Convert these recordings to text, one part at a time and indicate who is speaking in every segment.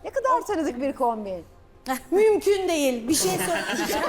Speaker 1: Ne kadar tanıdık bir kombin.
Speaker 2: Mümkün değil. Bir şey söyleyeceğim.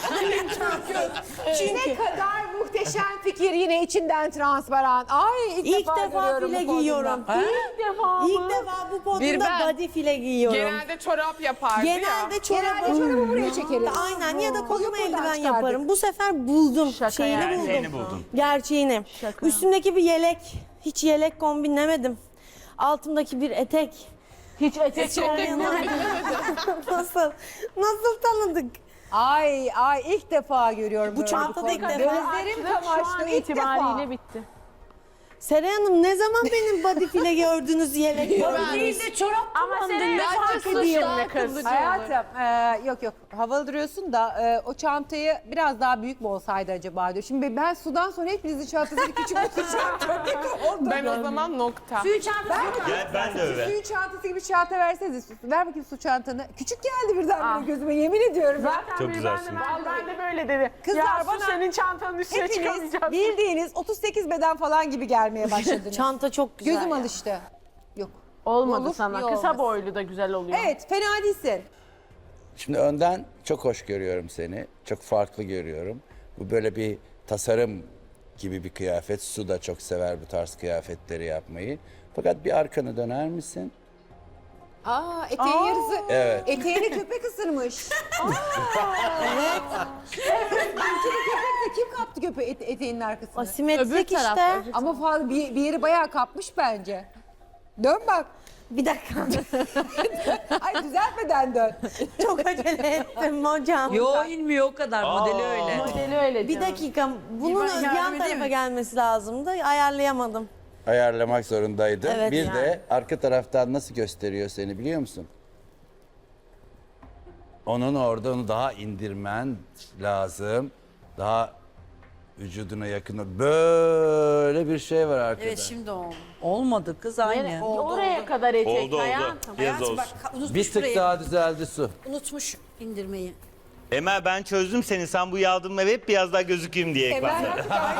Speaker 2: Çünkü
Speaker 1: Ne kadar muhteşem fikir, yine içinden transparan. Ay
Speaker 2: ilk defa
Speaker 1: görüyorum
Speaker 2: file
Speaker 1: bu podyumda.
Speaker 2: giyiyorum. İlk defa bu podyumda
Speaker 3: ben.
Speaker 2: body file giyiyorum.
Speaker 3: Genelde çorap yapardı ya.
Speaker 2: Genelde
Speaker 1: Genelde çorabı buraya çekeriz.
Speaker 2: Aynen ya da koluma
Speaker 1: Buradan
Speaker 2: eldiven
Speaker 1: çıkardık.
Speaker 2: yaparım. Bu sefer buldum. Şeyini buldum.
Speaker 4: Gerçeğini buldun.
Speaker 2: Gerçeğini. Üstümdeki bir yelek. Hiç yelek kombinlemedim. Altımdaki bir etek.
Speaker 3: Hiç etek
Speaker 2: Nasıl? Nasıl tanıdık?
Speaker 1: Ay ilk defa görüyorum.
Speaker 2: Bu
Speaker 1: böyle
Speaker 2: çantada
Speaker 1: bir
Speaker 2: ilk
Speaker 1: kombin.
Speaker 2: defa.
Speaker 1: Gözlerim
Speaker 3: Şu an
Speaker 1: kamaştı ilk
Speaker 3: itibariyle
Speaker 1: defa.
Speaker 3: bitti.
Speaker 2: Seray Hanım ne zaman benim body file gördünüz yelek gördünüz?
Speaker 3: Ama senin de fark ediyorum ne kız.
Speaker 1: Hayatım yok havalı duruyorsun da o çantayı biraz daha büyük mü olsaydı acaba diyor. Şimdi ben sudan sonra hepinizin çantasını küçük tutacağım.
Speaker 3: Ben o zaman nokta.
Speaker 4: Ben de öyle.
Speaker 1: Suyu çantası gibi çanta verseniz. Ver bakayım su çantanı. Küçük geldi birden gözüme, yemin ediyorum.
Speaker 3: Zaten
Speaker 4: Çok
Speaker 3: biri
Speaker 4: güzelsin.
Speaker 3: ben de böyle dedi.
Speaker 1: Kızlar
Speaker 3: ya
Speaker 1: bana-
Speaker 3: senin çantanın üstüne
Speaker 1: Hepiniz
Speaker 3: çıkamayacağım.
Speaker 1: bildiğiniz 38 beden falan gibi gelmeye başladınız.
Speaker 2: Çanta çok güzel.
Speaker 1: Gözüm
Speaker 2: ya.
Speaker 1: alıştı. Yok.
Speaker 3: Olmadı
Speaker 1: Olur,
Speaker 3: sana.
Speaker 1: iyi
Speaker 3: Kısa
Speaker 1: olmaz.
Speaker 3: boylu da güzel oluyor.
Speaker 1: Evet, fena değilsin.
Speaker 5: Şimdi önden çok hoş görüyorum seni. Çok farklı görüyorum. Bu böyle bir tasarım gibi bir kıyafet. Su da çok sever bu tarz kıyafetleri yapmayı. Fakat bir arkanı döner misin?
Speaker 1: Eteğin yarısı.
Speaker 5: Evet.
Speaker 1: Eteğini köpek ısırmış. Evet. Köpek de kim kaptı eteğinin arkasını?
Speaker 2: Asimetrik işte.
Speaker 1: Ama falan bir yeri bayağı kapmış bence. Dön bak.
Speaker 2: Bir dakika.
Speaker 1: Ay düzeltmeden dön.
Speaker 2: Çok acele ettim hocam.
Speaker 6: Yo inmiyor o kadar modeli öyle.
Speaker 3: Modeli öyle
Speaker 2: Bir
Speaker 3: canım.
Speaker 2: dakika. Bunun
Speaker 6: yardım
Speaker 2: yan
Speaker 6: edeyim
Speaker 2: tarafa
Speaker 6: mi?
Speaker 2: gelmesi lazımdı. Ayarlayamadım.
Speaker 5: Ayarlamak zorundaydın.
Speaker 2: Evet,
Speaker 5: bir
Speaker 2: yani.
Speaker 5: de arka taraftan nasıl gösteriyor seni biliyor musun? Onun orada onu daha indirmen lazım. Daha vücuduna yakın. Böyle bir şey var arkada.
Speaker 6: Evet şimdi oldu. Olmadı kız aynı.
Speaker 3: Oraya kadar etek
Speaker 4: Oldu oldu.
Speaker 3: hayatım.
Speaker 4: Biraz olsun.
Speaker 6: Unutmuş
Speaker 5: Bir tık
Speaker 6: burayı.
Speaker 5: daha düzeldi su.
Speaker 6: Unutmuş indirmeyi.
Speaker 4: Emel ben çözdüm seni. Sen bu yardımla hep biraz daha gözükeyim diye ekranlara.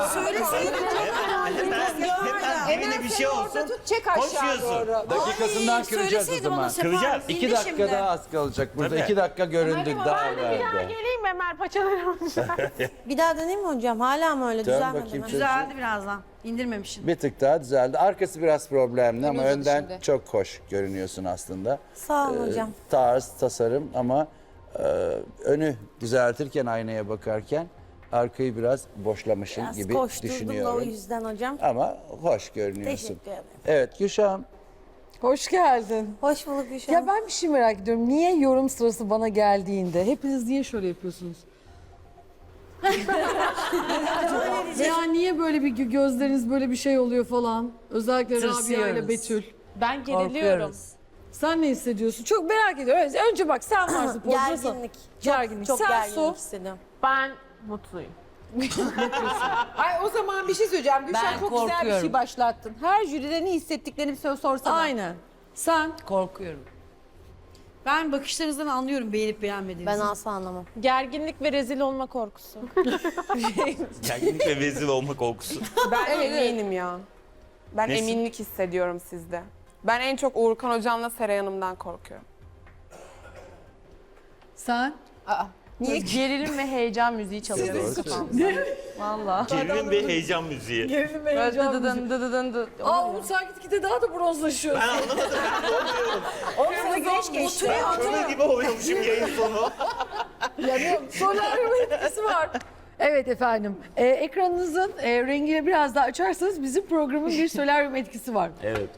Speaker 4: Hemen bir şey olsun.
Speaker 1: Tut, çek aşağı
Speaker 4: Koşuyorsun.
Speaker 1: doğru.
Speaker 5: Dakikasından kıracağız o
Speaker 6: Söyleseydin
Speaker 5: zaman.
Speaker 6: ona Sefa.
Speaker 4: Kıracağız.
Speaker 5: 2 dakika daha az kalacak. Burada
Speaker 4: Tabii.
Speaker 5: 2 dakika göründük daha
Speaker 3: Ben de bir daha
Speaker 5: evvelde.
Speaker 3: geleyim mi Emel paçalarım?
Speaker 2: Bir daha deneyeyim mi hocam? Hala mı öyle?
Speaker 5: Dön
Speaker 2: Düzelmedi
Speaker 5: bakayım
Speaker 2: mi?
Speaker 5: çocuğum.
Speaker 6: Düzeldi birazdan. İndirmemişsin.
Speaker 5: Bir tık daha düzeldi. Arkası biraz problemli ama
Speaker 1: uzadı
Speaker 5: önden
Speaker 1: şimdi.
Speaker 5: çok hoş görünüyorsun aslında.
Speaker 2: Sağ olun hocam.
Speaker 5: Tarz, tasarım ama önü düzeltirken aynaya bakarken arkayı biraz boşlamışsın
Speaker 2: Biraz
Speaker 5: gibi
Speaker 2: koşturdum da o
Speaker 5: düşünüyorum.
Speaker 2: yüzden hocam.
Speaker 5: Ama hoş görünüyorsun.
Speaker 2: Teşekkür ederim.
Speaker 5: Evet Gülşah'ım.
Speaker 7: Hoş geldin.
Speaker 2: Hoş bulduk Gülşah.
Speaker 7: Ya ben bir şey merak ediyorum. Niye yorum sırası bana geldiğinde hepiniz niye şöyle yapıyorsunuz? Veya niye böyle bir gözleriniz böyle bir şey oluyor falan? Özellikle Rabia ile
Speaker 6: Tırsıyoruz.
Speaker 7: Betül.
Speaker 3: Ben geriliyorum.
Speaker 6: Korkuyoruz.
Speaker 7: Sen ne hissediyorsun? Çok merak ediyorum. Evet, önce bak sen varsın. podyumda.
Speaker 2: Gerginlik.
Speaker 7: Gerginlik.
Speaker 2: Çok
Speaker 7: Sen
Speaker 2: gerginlik
Speaker 7: Su.
Speaker 2: hissediyorum.
Speaker 3: Ben mutluyum.
Speaker 1: Ay o zaman bir şey söyleyeceğim. Gülşen
Speaker 6: Ben
Speaker 1: çok güzel bir şey
Speaker 6: korkuyorum.
Speaker 1: başlattın. Her jüride ne hissettiklerini bir sorsana.
Speaker 7: Aynen. Sen
Speaker 6: Korkuyorum. Ben bakışlarınızdan anlıyorum beğenip beğenmediğinizi.
Speaker 2: Ben asla anlamam.
Speaker 3: Gerginlik ve rezil olma korkusu.
Speaker 4: Gerginlik ve vezir olma korkusu.
Speaker 8: Ben eminim ya. Ben
Speaker 4: Nesi?
Speaker 8: eminlik hissediyorum sizde. Ben en çok Uğurkan Hocam'la Seray Hanım'dan korkuyorum.
Speaker 7: sen
Speaker 3: Niye? Gerilim ve heyecan müziği çalıyor kafamda. Valla.
Speaker 4: Gerilim ve heyecan müziği.
Speaker 3: Böyle dıdıdın dıdıdın dı.
Speaker 7: Aa Umut sen gitgide daha da bronzlaşıyorsun.
Speaker 4: Ben anlamadım.
Speaker 1: Orada güneş geçti.
Speaker 4: Kömür gibi oluyormuşum yayın sonu.
Speaker 7: Yanıyorum. Solaryum etkisi var. Evet efendim. Ekranınızın rengini biraz daha açarsanız bizim programın bir solaryum etkisi var.
Speaker 4: Evet.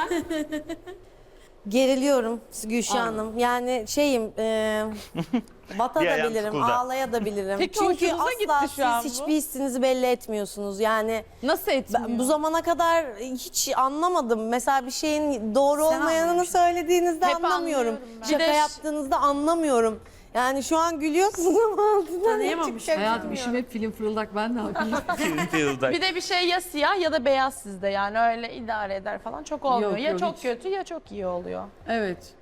Speaker 2: Geriliyorum Gülşah Hanım. Yani şeyim,
Speaker 4: Bir ayağım
Speaker 2: batabilirim,
Speaker 4: sıkıldı.
Speaker 2: ağlayabilirim.
Speaker 3: Peki
Speaker 2: Çünkü
Speaker 3: hoşunuza
Speaker 2: asla
Speaker 3: gitti şu an
Speaker 2: siz
Speaker 3: bu.
Speaker 2: hiçbir hissinizi belli etmiyorsunuz. Yani
Speaker 3: Nasıl etmiyor?
Speaker 2: ben bu zamana kadar hiç anlamadım. Mesela bir şeyin doğru
Speaker 6: Sen
Speaker 2: olmayanını
Speaker 6: anlamışsın.
Speaker 2: söylediğinizde
Speaker 3: Hep
Speaker 2: anlamıyorum.
Speaker 3: anlıyorum ben.
Speaker 2: Şaka
Speaker 3: Bir de
Speaker 2: yaptığınızda anlamıyorum. Yani şu an gülüyorsunuz ama altından
Speaker 6: Tanıyamamış.
Speaker 2: çıkacak.
Speaker 7: Hayatım işim hep film fırıldak ben ne yapayım?
Speaker 4: Fırıldak.
Speaker 3: Bir de bir şey ya siyah ya da beyaz sizde yani öyle idare eder falan çok olmuyor.
Speaker 7: Yok,
Speaker 3: ya
Speaker 7: yok,
Speaker 3: çok
Speaker 7: hiç.
Speaker 3: kötü ya çok iyi oluyor.
Speaker 7: Evet.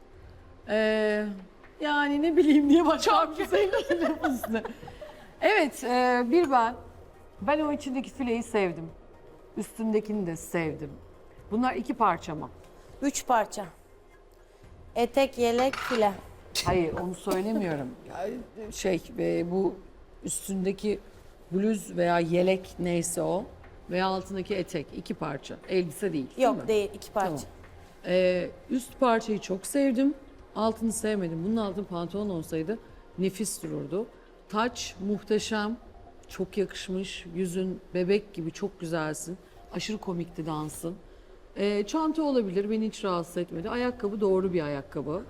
Speaker 7: Yani ne bileyim diye başka bir şey üstüne. Evet, bir ben. Ben o içindeki fileyi sevdim. Üstündekini de sevdim. Bunlar 2 parça mı?
Speaker 2: 3 parça. Etek, yelek, file.
Speaker 7: Hayır onu söylemiyorum. Bu üstündeki bluz veya yelek neyse o veya altındaki etek 2 parça. Elbise değil.
Speaker 2: Yok
Speaker 7: mi?
Speaker 2: değil, 2 parça.
Speaker 7: Tamam. Üst parçayı çok sevdim. Altını sevmedim. Bunun altı pantolon olsaydı nefis dururdu. Taç muhteşem. Çok yakışmış. Yüzün bebek gibi çok güzelsin. Aşırı komikti dansın. Çanta olabilir. Beni hiç rahatsız etmedi. Ayakkabı doğru bir ayakkabı.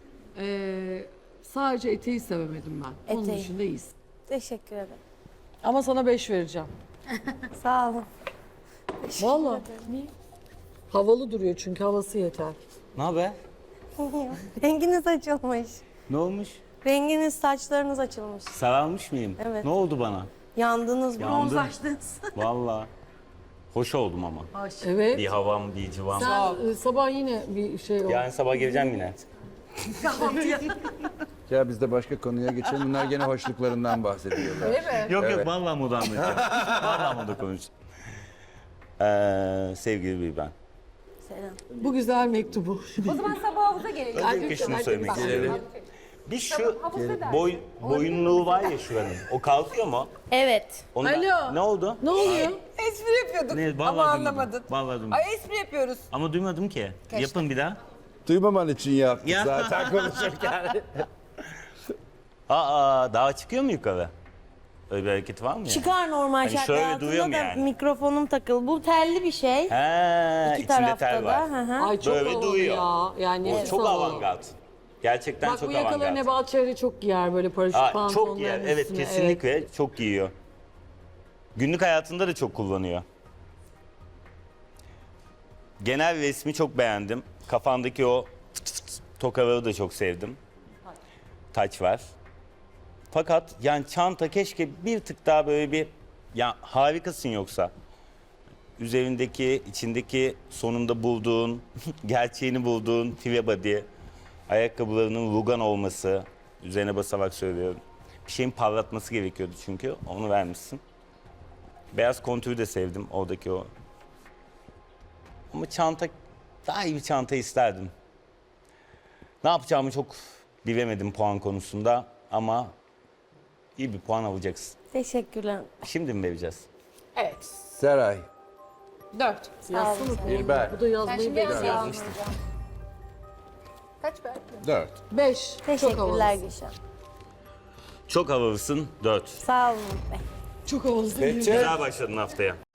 Speaker 7: Sadece eteği sevemedim ben. Onun
Speaker 2: Eteği.
Speaker 7: dışında iyisin.
Speaker 2: Teşekkür ederim.
Speaker 7: Ama sana 5 vereceğim.
Speaker 2: Sağ olun.
Speaker 7: Vallahi. Havalı duruyor çünkü havası yeter.
Speaker 4: Ne haber?
Speaker 2: Renginiz açılmış.
Speaker 4: Ne olmuş?
Speaker 2: Renginiz, saçlarınız açılmış.
Speaker 4: Sararmış mıyım?
Speaker 2: Evet.
Speaker 4: Ne oldu bana?
Speaker 2: Yandınız,
Speaker 4: Yandım.
Speaker 2: bronzlaştınız.
Speaker 4: Valla. Hoş oldum ama.
Speaker 7: Evet.
Speaker 4: Bir havam, bir civam.
Speaker 7: Sen sabah yine bir şey oldu.
Speaker 4: Yarın sabah geleceğim yine.
Speaker 5: Ya biz de başka konuya geçelim. Bunlar gene hoşluklarından bahsediyorlar.
Speaker 4: Yok
Speaker 5: Evet.
Speaker 4: yok vallahi moda anlatacağım. Vallahi moda konuşacağım. Sevgili bir ben.
Speaker 2: Selam.
Speaker 7: Bu güzel mektubu.
Speaker 1: O zaman sabah havuza gelelim.
Speaker 4: Öncelikle şunu söylemek istiyorum. Bir şu
Speaker 1: Havuzda der.
Speaker 4: boyunluğu var ya şuranın. O kalkıyor mu?
Speaker 2: Evet.
Speaker 4: Ondan,
Speaker 7: Alo.
Speaker 4: Ne oldu?
Speaker 7: Ne oluyor?
Speaker 1: Espri yapıyorduk
Speaker 4: Ne, vallahi
Speaker 1: ama
Speaker 4: duymadım.
Speaker 1: anlamadın.
Speaker 4: Vallahi duymadım.
Speaker 1: Ay espri yapıyoruz.
Speaker 4: Ama duymadım ki. Yapın bir daha.
Speaker 5: Duymaman için yaptık
Speaker 4: Ya.
Speaker 5: zaten konuşurken.
Speaker 4: Aa daha çıkıyor mu yukarı? Öyle bir hareket var mı ya?
Speaker 2: Çıkar normal
Speaker 4: Hani
Speaker 2: şartlar
Speaker 4: şöyle
Speaker 2: altında
Speaker 4: duyuyorum
Speaker 2: da
Speaker 4: yani.
Speaker 2: mikrofonum takılı. Bu telli bir şey.
Speaker 4: He,
Speaker 2: İki
Speaker 4: içinde
Speaker 2: tarafta
Speaker 4: tel
Speaker 2: da.
Speaker 4: var.
Speaker 2: Hı hı.
Speaker 7: Ay çok
Speaker 4: Böyle
Speaker 7: havalı
Speaker 4: duyuyor.
Speaker 7: ya. Yani
Speaker 4: O
Speaker 7: nefis
Speaker 4: çok
Speaker 7: havalı.
Speaker 4: avantgard. Gerçekten
Speaker 7: Bak
Speaker 4: çok
Speaker 7: bu yakaları
Speaker 4: avantgard.
Speaker 7: Nebahat Çehre çok giyer böyle paraşüt
Speaker 4: Aa,
Speaker 7: pantolonların
Speaker 4: çok yer. Evet
Speaker 7: üstüne.
Speaker 4: kesinlikle çok giyiyor. Günlük hayatında da çok kullanıyor. Genel resmi çok beğendim. Kafandaki o tokaları da çok sevdim. Taç var. Fakat yani çanta keşke bir tık daha böyle bir ya harikasın yoksa. Üzerindeki, içindeki sonunda bulduğun, gerçeğini bulduğun five body, ayakkabılarının rugan olması, üzerine basarak söylüyorum. Bir şeyin parlatması gerekiyordu çünkü, onu vermişsin. Beyaz kontürü de sevdim, oradaki o. Ama çanta, daha iyi bir çanta isterdim. Ne yapacağımı çok bilemedim puan konusunda ama iyi bir puan alacaksın.
Speaker 2: Teşekkürler.
Speaker 4: Şimdi mi vereceğiz?
Speaker 5: Seray,
Speaker 1: 4.
Speaker 7: Yazsana.
Speaker 5: İlber.
Speaker 7: Bu da yazmayı bekliyor.
Speaker 1: Kaç ver?
Speaker 5: 4.
Speaker 7: 5. Çok
Speaker 2: Teşekkürler
Speaker 7: havalı.
Speaker 2: Gülşen.
Speaker 4: Çok havalısın, 4.
Speaker 2: Sağ olun Bey.
Speaker 7: Çok havalı.
Speaker 5: Peki.
Speaker 4: Güzel başladın haftaya.